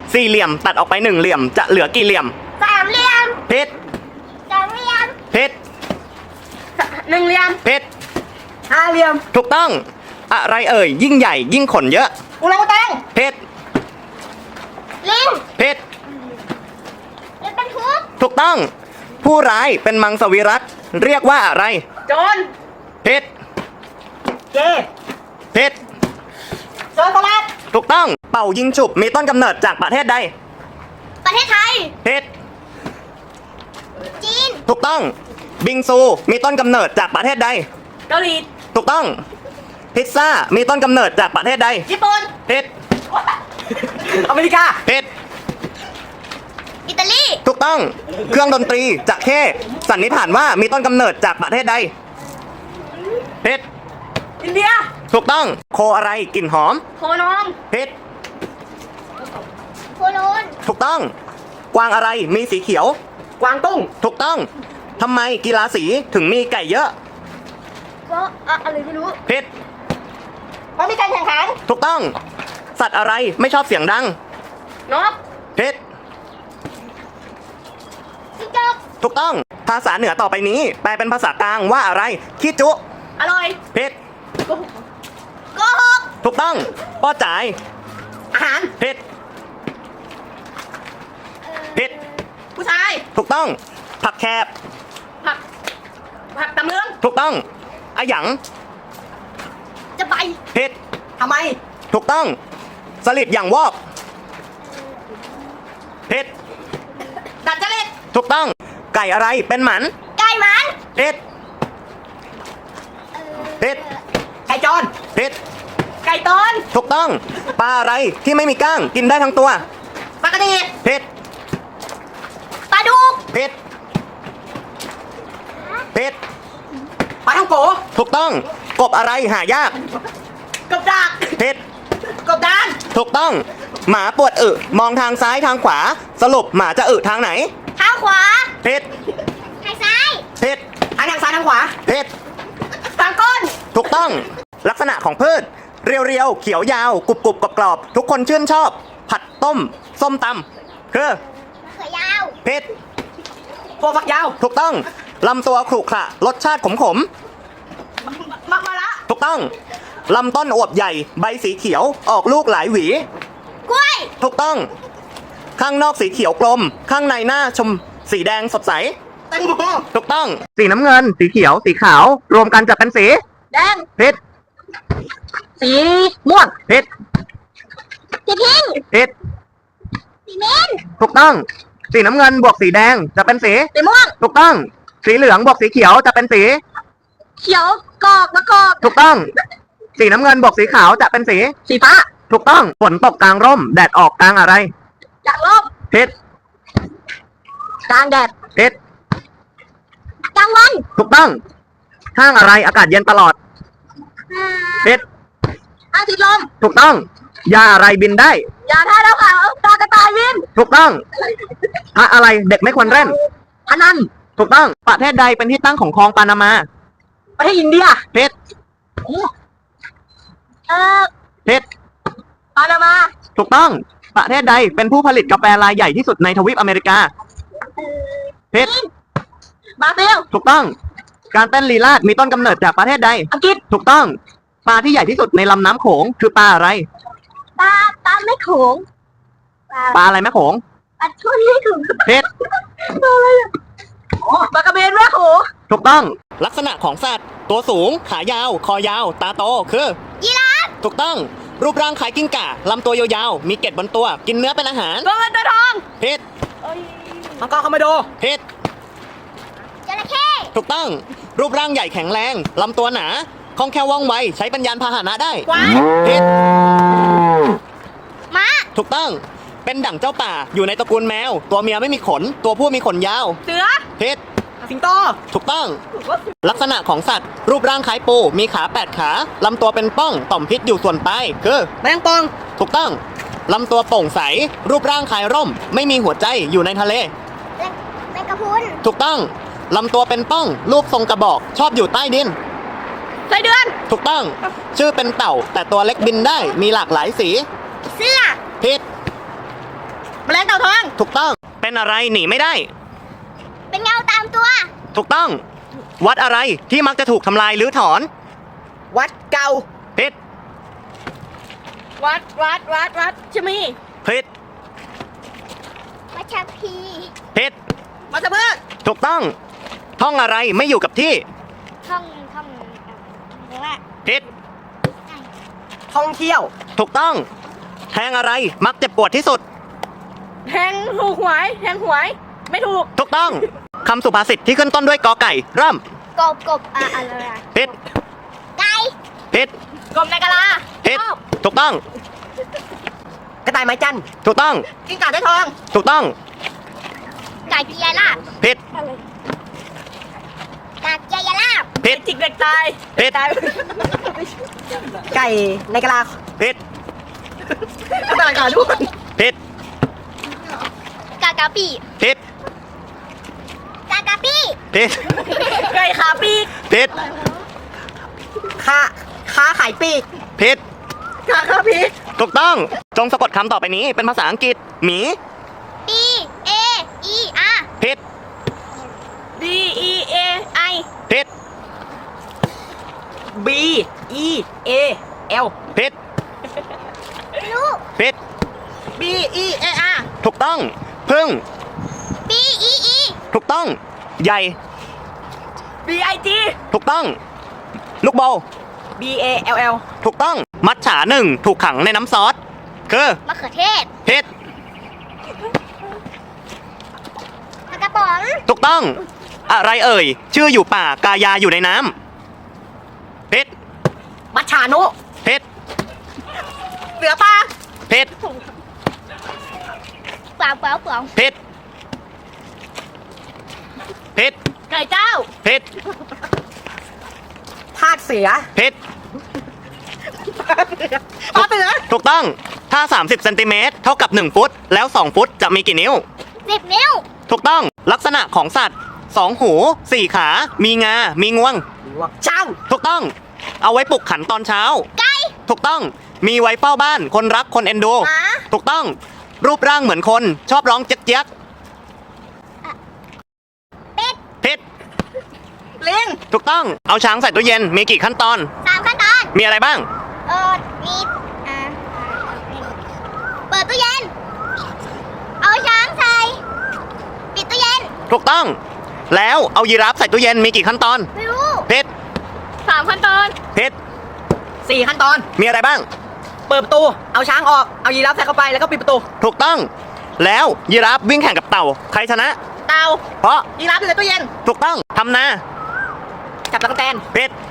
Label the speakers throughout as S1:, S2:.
S1: สี่เหลี่ยมตัดออกไปหนึ่งเหลี่ยมจะเหลือกี่เหลี่ยม
S2: สามเหลี่ยม
S1: ผิด
S2: สองเหลี่ยม
S1: ผิด
S2: หนึ่งเหลี่ยม
S1: ผิด
S2: ห้าเหลี่ยม
S1: ถูกต้อง อะไรเอ่ยยิ่งใหญ่ยิ่งขนเยอะ
S2: อุลังอุตัง
S1: ผิด
S2: ลิง
S1: ผิด
S2: รถบรรทุก
S1: ถูกต้อง ผู้ร้ายเป็นมังสวิรัติเรียกว่าอะไร
S2: โจร
S1: ผิด
S2: เกย์
S1: ผิด
S2: โจรสลัด
S1: ถูกต้อง เป่ายิงฉุบมีต้นกำเนิดจากประเทศใด
S2: ประเทศไทย
S1: ผิด
S2: จีน
S1: ถูกต้อง บิงซูมีต้นกำเนิดจากประเทศใด
S2: เกาหลี
S1: ถูกต้อง พิซซ่ามีต้นกำเนิดจากประเทศใด
S2: ญี่ปุ่น
S1: ผิด
S2: อเมริกา
S1: ผิด
S2: อิตาลี
S1: ถูกต้อง เครื่องดนตรีจะเข้สันนิษฐานว่ามีต้นกำเนิดจากประเทศใดผิด
S2: อินเดีย
S1: ถูกต้อง โคอะไรกลิ่นหอม
S2: โคนอง
S1: ผิด
S2: โคโลน
S1: ถูกต้อง กวางอะไรมีสีเขียว
S2: กวางตุ้ง
S1: ถูกต้องทำไมกีฬาสีถึงมีไก่เยอะ
S2: ก็อะไรไม่รู้
S1: ผิด
S2: เพราะมีการแข่งขัน
S1: ถูกต้อง สัตว์อะไรไม่ชอบเสียงดัง
S2: นก
S1: ผิด
S2: จิ้งจก
S1: ถูกต้อง ภาษาเหนือต่อไปนี้ แปลเป็นภาษากลางว่าอะไรขี้จุ
S2: อร่อย
S1: ผิด
S2: โกหก
S1: ถูกต้องป้อจ่าย
S2: อาหาร
S1: ผิดผิด
S2: ผู้ชาย
S1: ถูกต้อง ผักแคบ
S2: ผักผักตำเลือง
S1: ถูกต้องอะหยัง
S2: จะไป
S1: ผิด
S2: ทำไม
S1: ถูกต้อง สลิดอย่างวอกผิด
S2: ดัดจริต
S1: ถูกต้อง ไก่อะไรเป็นหมัน
S2: ไก่หมัน
S1: ผิดผิด
S2: ไก่จร
S1: ผิด
S2: ไก่ตอน
S1: ถูกต้อง ปลาอะไรที่ไม่มีก้างกินได้ทั้งตัว
S2: ปลากระดี
S1: ผิด
S2: ปลาดุก
S1: ผิดผิด
S2: ปลาท่องโก
S1: ถูกต้อง กบอะไรหายาก
S2: กบดาก
S1: ผิด
S2: กบดาน
S1: ถูกต้อง หมาปวดอึมองทางซ้ายทางขวา สรุปหมาจะอึทางไหน
S2: เท้าขวา
S1: ผิด
S2: ทางซ้าย
S1: ผิด
S2: ทางซ้ายทางขวา
S1: ผิด
S2: ทางก้น
S1: ถูกต้อง ลักษณะของพืช เรียวๆ เขียวยาว กรุบๆกรอบๆทุกคนชื่นชอบ ผัดต้ม ส้มตำคือ
S2: เขือยาว
S1: ผิด
S2: พวกฝักยาว
S1: ถูกต้อง ลำตัวขรุขระรสชาติขม
S2: มะละ
S1: ๆ ถูกต้อง ลำต้นอวบใหญ่ ใบสีเขียว ออกลูกหลายหวี
S2: กล้วย
S1: ถูกต้อง ข้างนอกสีเขียวกลม ข้างในหน้าชมสีแดงสดใส
S2: แตงโม
S1: ถูกต้อง สีน้ำเงิน สีเขียว สีขาว รวมกันจะเป็นสี
S2: แดง
S1: ผิด
S2: สีม่วง
S1: ผิด
S2: สีพิง
S1: ผิด
S2: สีเมน
S1: ถูกต้อง สีน้ำเงินบวกสีแดงจะเป็นสี
S2: สีม่วง
S1: ถูกต้อง สีเหลืองบวกสีเขียวจะเป็นสี
S2: เขียวกอกมะกอก
S1: ถูกต้อง สีน้ำเงินบวกสีขาวจะเป็นสี
S2: สีฟ้า
S1: ถูกต้อง ฝนตกกลางร่ม แดดออกกลางอะไร
S2: จากลบ
S1: ผิด
S2: กลางแดด
S1: ผิด
S2: กลางวัน
S1: ถูกต้อง ห้างอะไรอากาศเย็นตลอดผิด
S2: อาทิตย์ลม
S1: ถูกต้อง ยาอะไรบินได้
S2: อย่าท่าเราขาวตากระต่ายวิน
S1: ถูกต้องพระอะไรเด็กไม่ควรเล่น
S2: พนัน
S1: ถูกต้อง ประเทศใดเป็นที่ตั้งของคลองปานามา
S2: ประเทศอินเดีย
S1: ผิด
S2: เอ่อ
S1: ผิด
S2: ปานามา
S1: ถูกต้อง ประเทศใดเป็นผู้ผลิตกาแฟรายใหญ่ที่สุดในทวีปอเมริกาผิด
S2: บราซิล
S1: ถูกต้อง การเต้นลีลาศมีต้นกำเนิดจากประเทศใด
S2: อังกฤษ
S1: ถูกต้อง ปลาที่ใหญ่ที่สุดในลำน้ำโขงคือปลาอะไร
S2: ปลาไม่โขง
S1: ปลาอะไรแม่โขง
S2: ปลาช่วยไม่ถึง
S1: ผิด
S2: ปลากระเบนแม่โขง
S1: ถูกต้อง ลักษณะของสัตว์ ตัวสูง ขายาว คอยาว ตาโต คือ
S2: ยีราฟ
S1: ถูกต้อง รูปร่างคล้ายกิ้งก่า ลำตัวยาวๆ มีเกล็ดบนตัว กินเนื้อเป็นอาหาร
S2: ตัวเงินตัวทอง
S1: ผิด
S2: มังกรคอมโมโด
S1: ผิด
S2: จระเข้
S1: ถูกต้อง รูปร่างใหญ่แข็งแรง ลำตัวหนา คล่องแคล่วว่องไว ใช้เป็นยานพาหนะได้
S2: กวาง
S1: ผิด
S2: ม้า
S1: ถูกต้อง เป็นดั่งเจ้าป่า อยู่ในตระกูลแมว ตัวเมียไม่มีขน ตัวผู้มีขนยาว
S2: เสือ
S1: ผิด
S2: สิงโต
S1: ถูกต้อง ลักษณะของสัตว์ รูปร่างคล้ายปู มีขา8ขา ลำตัวเป็นป้อง ต่อมพิษอยู่ส่วนปลาย คือ
S2: แมงปอง
S1: ถูกต้อง ลำตัวโปร่งใส รูปร่างคล้ายร่ม ไม่มีหัวใจ อยู่ในทะเล
S2: แมงกะพรุน
S1: ถูกต้อง ลำตัวเป็นป้อง รูปทรงกระบอก ชอบอยู่ใต้ดิน
S2: ไส้เดือน
S1: ถูกต้อง ชื่อเป็นเต่า แต่ตัวเล็กบินได้ มีหลากหลายสี
S2: เสื้อ
S1: ผิด
S3: แมลงเต่าทอง
S1: ถูกต้อง เป็นอะไรหนีไม่ได้
S2: เป็นเงาตามตัว
S1: ถูกต้อง วัดอะไรที่มักจะถูกทำลายหรือถอน
S3: วัดเก่า
S1: ผิด
S3: วัดชะมี
S1: ผิด
S2: วัชพี
S1: ผิด
S3: วัชพืช
S1: ถูกต้อง ท่องอะไรไม่อยู่กับที่
S2: ท่องเรียกว่า
S1: ผิด
S3: ท่องเที่ยว
S1: ถูกต้อง แทงอะไรมักเจ็บปวดที่สุด
S3: แทงถูกหวยแทงหวย ไม่ถูก
S1: ถูกต้อง คำสุภาษิตที่ขึ้นต้นด้วยกอไก่ เริ่ม
S2: กบอะไรอะ
S1: ผิด
S2: ไก่
S1: ผิด
S3: กรมในกะลา
S1: ผิด ถูกต้อง
S3: กระต่ายไม้จันทร์
S1: ถูกต้อง
S3: กิ้งก่าได้ทอง
S1: ถูกต้อง
S2: ไก่เกียร์ลาบ
S1: ผิด
S2: ไก่เกียร์ลาบ
S1: ผิด
S3: จิกเด็กตาย
S1: ผิด
S3: ไก่ในกะลา
S1: ผิด
S3: กระต่ายขาด้วน
S1: ผิด
S2: กากาปี
S1: ผิด
S2: กากาปี
S1: ผิด
S3: ไก่ขาปีก
S1: ผิด
S3: ค้าขายปีก
S1: ผิด
S3: ขาปีก
S1: ถูกต้อง จงสะกดคำต่อไปนี้เป็นภาษาอังกฤษ หมี
S2: B A E R
S1: ผิด
S3: B E A I
S1: ผิด
S3: B E A L
S1: ผิด
S2: ลูก
S1: ผิด
S3: B E A R
S1: ถูกต้อง พึ่ง
S2: B E E
S1: ถูกต้อง ใหญ่
S3: B I G
S1: ถูกต้อง ลูกโบ
S3: B A L L
S1: ถูกต้อง มัจฉาหนึ่งถูกขังในน้ำซอส คือ
S2: มะเขือเทศ
S1: ผิด
S2: ปลากระป๋อง
S1: ถูกต้อง อะไรเอ่ย ชื่ออยู่ป่ากายาอยู่ในน้ำผิด
S3: มัชชานุ
S1: ผิด
S3: เสือปลา
S1: ผิด
S2: เปล่า
S1: ผิด ผิด
S3: ไก่เจ้า
S1: ผิด
S3: ทาสเสือ
S1: ผิด
S3: ปลาเสือ
S1: ถูกต้อง ถ้า 30 เซนติเมตรเท่ากับ 1 ฟุต แล้ว 2 ฟุตจะมีกี่นิ้ว
S2: 10 นิ้ว
S1: ถูกต้อง ลักษณะของสัตว์ 2 หู 4 ขา มีงา มีงวง
S3: ช่าง
S1: ถูกต้อง เอาไว้ปลุกขันตอนเช้า
S2: ไก่
S1: ถูกต้อง มีไว้เฝ้าบ้าน คนรัก คนเอ็นดู
S2: หมา
S1: ถูกต้อง รูปร่างเหมือนคน ชอบร้องเจ๊ยก
S2: เป็ด
S1: ๆผิด
S3: ลิง
S1: ถูกต้อง เอาช้างใส่ตู้เย็น มีกี่ขั้นตอน
S2: 3 ขั้นตอน
S1: มีอะไรบ้าง
S2: มีเปิดตู้เย็น เอาช้างใส่ ปิดตู้เย็น
S1: ถูกต้อง แล้วเอายีราฟใส่ตู้เย็น มีกี่ขั้นตอน
S2: ไม่รู้
S1: ผิด
S3: 3 ขั้นตอน
S1: ผิด
S3: 4 ขั้นตอน
S1: มีอะไรบ้าง
S3: เปิดประตู เอาช้างออก เอายีราฟใส่เข้าไปแล้วก็ปิดประตู
S1: ถูกต้อง แล้วยีราฟวิ่งแข่งกับเต่า ใครชนะ
S3: เตา
S1: เพราะ
S3: ยีราฟอยู่ในตู้เย็น
S1: ถูกต้อง ทำนา
S3: จับตะกั่วแตน
S1: ผิด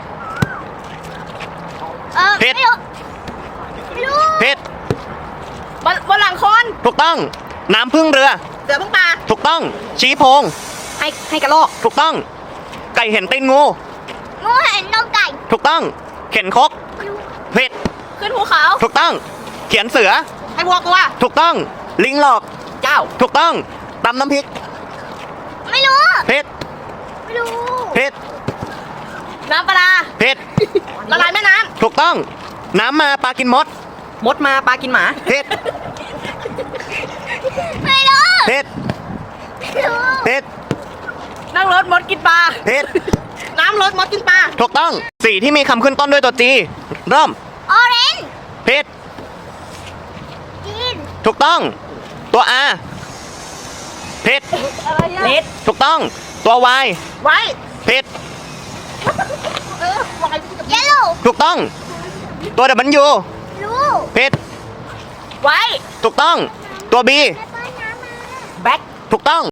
S1: ผิด
S2: ไม่รู้ ไม่รู้
S1: ผิด
S3: บนหลังคน
S1: ถูกต้อง น้ำพึ่งเรือ
S3: เสือพึ่งป่า
S1: ถูกต้อง ชี้โพง
S3: ให้กระรอก
S1: ถูกต้อง ไก่เห็นตีนงู
S2: งูเห็นนมไก่
S1: ถูกต้อง เข็นคก
S2: ไม่รู้
S1: ผิด
S3: ขึ้นภูเขา
S1: ถูกต้อง เขียนเสือ
S3: ให้วัวกลัว
S1: ถูกต้อง ลิงหลอก
S3: เจ้า
S1: ถูกต้อง ตำน้ำพริก
S2: ไม่รู้
S1: ผิด
S2: ไม่รู้
S1: ผิด
S3: น้ำปลา
S1: ผิด
S3: ละลายแม่น้
S1: ถูกต้อง น้ำมาปลากินมด
S3: ำมดมาปลากินหมา
S1: ผิด
S2: ไม่รู้
S1: ผิด
S2: ไม่รู้
S1: ผิด
S3: นั่งรถมดกินปลา
S1: ผิด
S3: น้ำรถมดกินปลา
S1: ถูกต้อง สีที่มีคำขึ้นต้นด้วยตัวจี เริ่ม
S2: ออเรนจ์
S1: ผิด
S2: จีน
S1: ถูกต้อง ตัว R ผิด
S3: เลด
S1: ถูกต้อง ตัว Y
S3: ไว้
S1: ผิด
S2: เยลโล่
S1: ถูกต้อง ตัว W
S2: รู้
S1: ผิด
S3: ไว้
S1: ถูกต้อง ตัว B
S2: แม่ป้อนน้ำมา
S3: แบ็ค
S1: ถูกต้อง